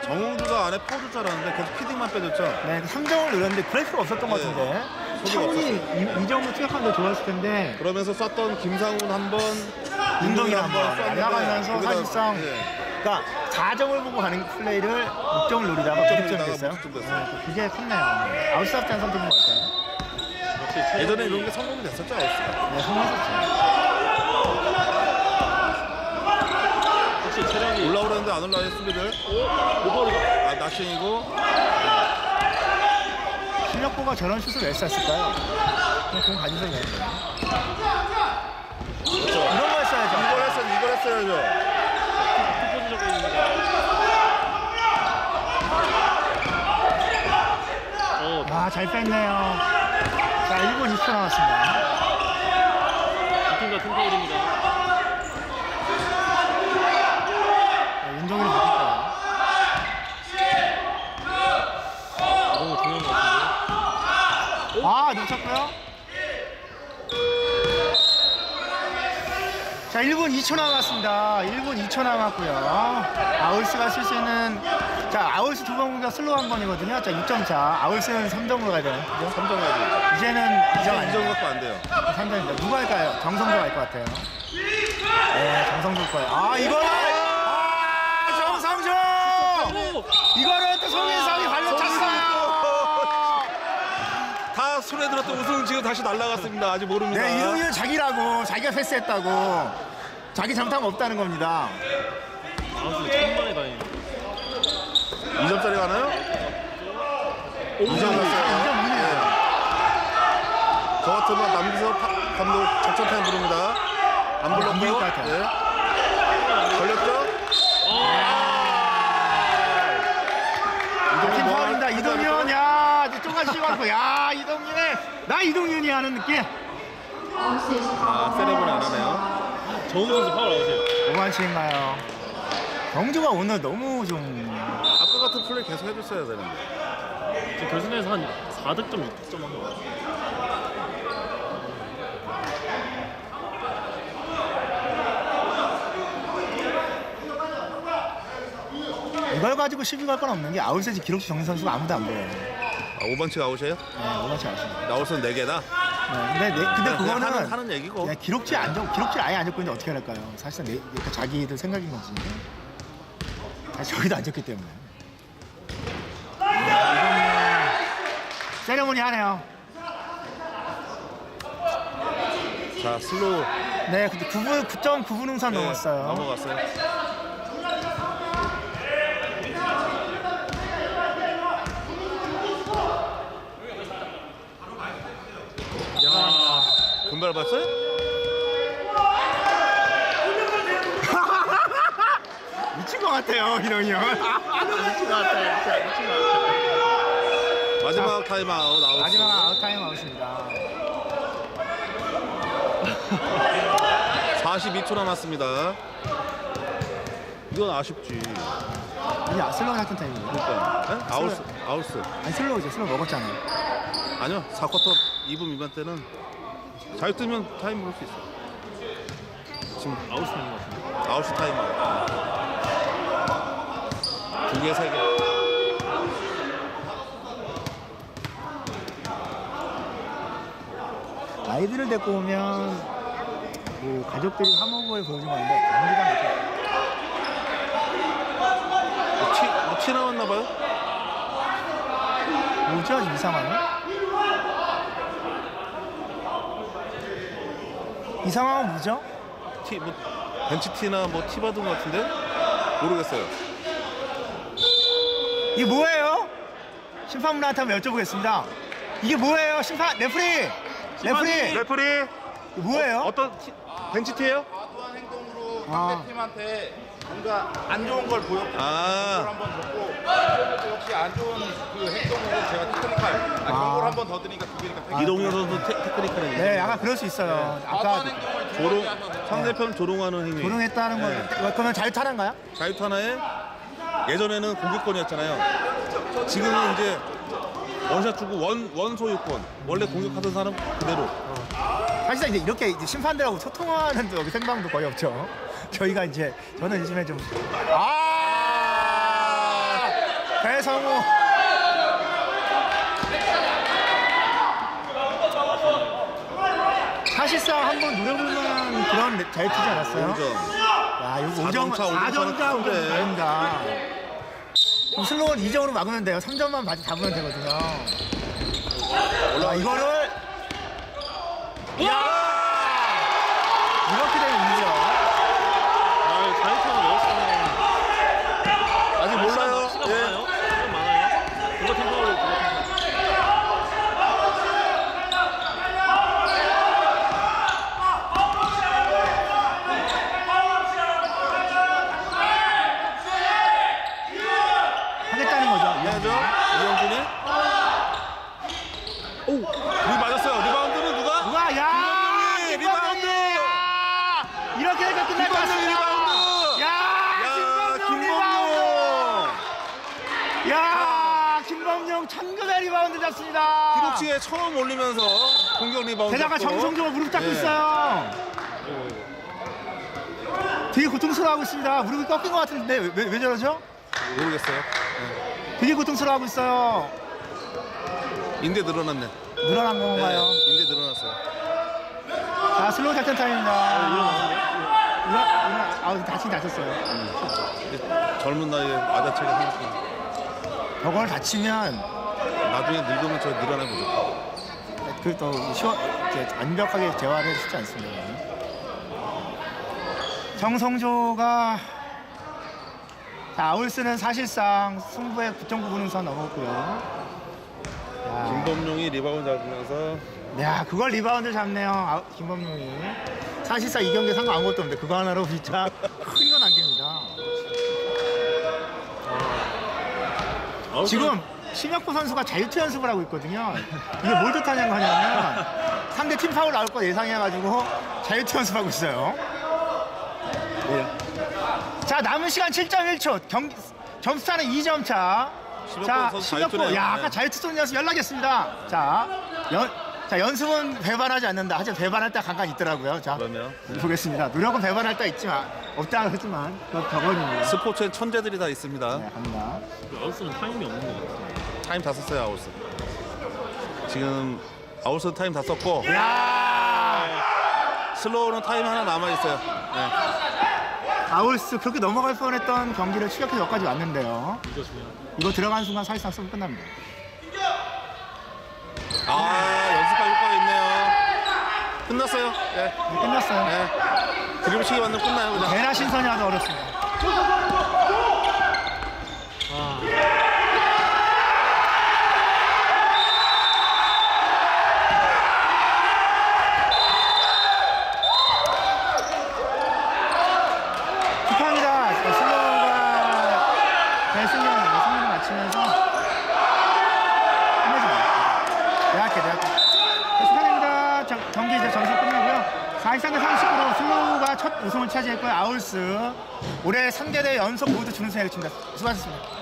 정우주가 안에 퍼줄 줄 알았는데 계속 피딩만 빼줬죠. 네, 3점을 노렸는데 그럴 필요 없었던 것 같은데. 차분히 이 점을 투약하면 더 좋았을 텐데. 그러면서 썼던 김상훈 한 번, 윤동이 한번 썼는데 날아가면서 거기다- 사실상 그러니까 4점을 보고 가는 플레이를 6점을 노리다가 9점 됐어요. 무득점 됐어요. 그게 컸네요. 아웃사프트한 선택인 것 같아요. 예전에 이런 게 성공이 됐었죠. 아웃스가. 네, 성공했었죠. 혹시 체력이 올라오려는데 안 올라와요 수비들. 오버를 아 나싱이고. 실력보가 저런 슛을 왜 쐈을까요? 그냥 공 가지고 있는 거예요. 이런 거 했어야죠. 이걸 했어야죠. 투포지적입니다. 아, 잘 뺐네요. 자, 1분 20초 남았습니다. 두팀 같은 파울입니다. 윤종이를 바뀔 거예요. 너무 중요한 것 같은데. 아, 놓쳤고요. 자, 1분 2초 남았습니다. 1분 2초 남았고요. 아울스가 쓸 수 있는, 자, 아울스 두 번 공격 슬로우 한 번이거든요. 자, 6점 차. 아울스는 3점으로 가야 되나요? 그죠? 3점 가지. 이제는 2점 아니에요. 2점 갖고 안 돼요. 3점입니다. 누가 할까요? 정성조 할 것 같아요. 네, 정성조 거예요. 아, 이거는! 아, 정성조! 이거는 또 송인상이 발로 찼어요! 다 손에 들었던 우승은 지금 다시 날아갔습니다. 아직 모릅니다. 네, 이동희는 자기라고, 자기가 패스했다고, 자기 잘못한 거 없다는 겁니다. 아웃을 천만에 다니는. 2점짜리 가나요? 2점 갔어요. 2점 이네요. 저 같으면 남기석 감독 작전 타임 부릅니다. 안 안 불렀고. 부를 것 같아요. 네. 걸렸죠? 팀 파울입니다. 이동윤, 야, 쪼가지 씹었고, 야, 이동윤의, 나 이동윤이 하는 느낌. 아, 세레브는 안 하네요. 정우 선수 파울 아웃이에요. 오만치인가요? 경주가 오늘 너무 좀. 아까 같은 플레이 계속 해줬어야 되는데. 지금 결승에서 한 4득점, 6득점 한 거 같아요. 이걸 가지고 시비 갈 건 없는 게 아웃세지 기록지 정신 선수가 아무도 안 보여요. 아, 5번치가 아웃이에요? 네, 오만치 아웃입니다. 나올선 4개다? 네, 근데 그거는 하는 얘기고. 그냥 기록지 아예 안 적고 있는데 어떻게 할까요? 사실상 그러니까 자기들 생각인 거지. 사실 저기도 안 적기 때문에. 세레모니 하네요. 자, 슬로우. 네, 근데 9.9분 응산 넘었어요. 넘어갔어요. 금발 봤어요? 미친 것 같아요, 이동이 형. 미친 것 같아요. 진짜 미친 것 같아요. 마지막 타임아웃 아웃. 마지막 아웃타임 아웃입니다. 42초 남았습니다. 이건 아쉽지. 이게 슬로우 같은 타임이에요. 그러니까. 네? 아웃스. 아니, 슬로우죠. 슬로우 먹었잖아요. 아니요, 4쿼터 2분 미만 때는 잘 뜨면 타임 볼 수 있어. 지금 아웃인 것 같은데. 아웃스 타임아웃. 2개, 3개. 아이들을 데리고 오면 뭐 가족들이 화목을 보여준 건데 경기가 막혀. 티 나왔나 봐요? 뭐죠? 이상하네. 이 상황은 뭐죠? 뭐 벤치 티나 뭐 티 받은 것 같은데? 모르겠어요. 이게 뭐예요? 심판분한테 한번 여쭤보겠습니다. 이게 뭐예요? 심판 레프리! 레프리! 레프리 이거 뭐예요? 어떤 벤치 티예요? 과도한 행동으로 아. 상대팀한테 뭔가 안 좋은 걸 보였고 그걸 아, 한번 줬고 이것도 역시 안 좋은 그 행동으로 제가 테크니컬 경고를 한 번 더 드리니까 두 개니까 테크니컬. 이동현 선수 테크니컬이 네, 약간 그럴 수 있어요. 아까 과도한 행동을 두 조롱, 번째 하셔서 상대편 조롱하는 행위. 조롱했다는 네. 거. 그러면 자유타란가요? 자유투 예전에는 공격권이었잖아요. 지금은 이제 원샷 주고 원 소유권. 원래 공격하던 사람 그대로. 사실상 이제 이렇게 이제 심판들하고 소통하는 여기 생방도 거의 없죠. 저희가 이제 저는 요즘에 좀 성우. 사실상 한번 노려볼만한 그런 자유투지 않았어요? 5점. 야, 이거 5점, 4점 4점자, 큰데. 5점 그럼 슬로우는 2점으로 막으면 돼요. 3점만 잡으면 되거든요. 야, 이거를. 야! 이렇게 되면 2점. 아, 자유투만 넣었으면 아직 몰라요. 시간 예. 많아요? 시간 많아요? 그거 템포로 그거 템포. 하겠다는 거죠. 해야죠. 이영준이. 오, 우리 맞았어요. 리바운드는 누가? 누가? 야! 김범용이 리바운드! 야! 이렇게 되면 끝날 것 김범용 같습니다. 리바운드! 야! 야, 김범용 리바운드! 김범용. 야! 김범용 천금의 리바운드 잡습니다. 기록지에 처음 올리면서 공격 리바운드. 게다가 잡고. 정성조가 무릎 닦고 예. 있어요. 되게 고통스러워하고 있습니다. 무릎이 꺾인 것 같은데 왜 저러죠? 모르겠어요. 되게 고통스러워하고 있어요. 인대 늘어났네. 늘어난 건가요? 인대 늘어났어요. 자, 슬로우 작전 타임입니다. 일어나. 아우, 다쳤어요. 젊은 나이에 아자체가 생겼고 저걸 다치면 나중에 늙으면 저 늘어나 보죠. 그또 완벽하게 재활을 쉽지 않습니다. 정성조가 자, 아울스는 사실상 승부의 9.9분은 선 넘었고요. 김범용이 리바운드 잡으면서 야, 그걸 리바운드 잡네요. 김범용이. 사실상 이 경기에 상관 아무것도 없는데 그거 하나로 진짜 큰 거 남깁니다. 지금 심혁보 선수가 자유투 연습을 하고 있거든요. 이게 뭘 뜻하냐고 하냐면 상대 팀 파울 나올 거 예상해가지고 자유투 연습하고 있어요. 자, 남은 시간 7.1초. 점수차는 2점 차. 자, 선수 심혁보. 자유투네요. 야, 아까 자유투 쏘는 연습 연락했습니다. 자, 연습은 배반하지 않는다. 하지만 배반할 때가 간간 있더라고요. 자, 그러면 보겠습니다. 노력은 배반할 때 있지만 없다 하지만 그건 덕원입니다. 스포츠엔 천재들이 다 있습니다. 네, 갑니다. 아웃스는 타임이 없는 것 같아요. 타임 다 썼어요, 아울스. 지금 아울스 타임 다 썼고 야, 슬로우는 타임 하나 남아 있어요. 네. 아울스 그렇게 넘어갈 뻔했던 경기를 추격해서 여기까지 왔는데요. 이거 중요한. 이거 들어가는 순간 사실상 수업 끝납니다. 연습할 효과가 있네요. 끝났어요. 네. 끝났어요. 네. 드리블 치기 만들면 끝나요, 그냥. 대나 신선이 하도 어렵습니다. 아, 축하합니다. 슬로우가 승리를 마치면서 대학교. 축하드립니다. 경기 이제 점수 끝나고요. 43대 30으로 슬로우가 첫 우승을 차지했고요. 아울스 올해 3개대 연속 모두 준우승을 했습니다. 수고하셨습니다.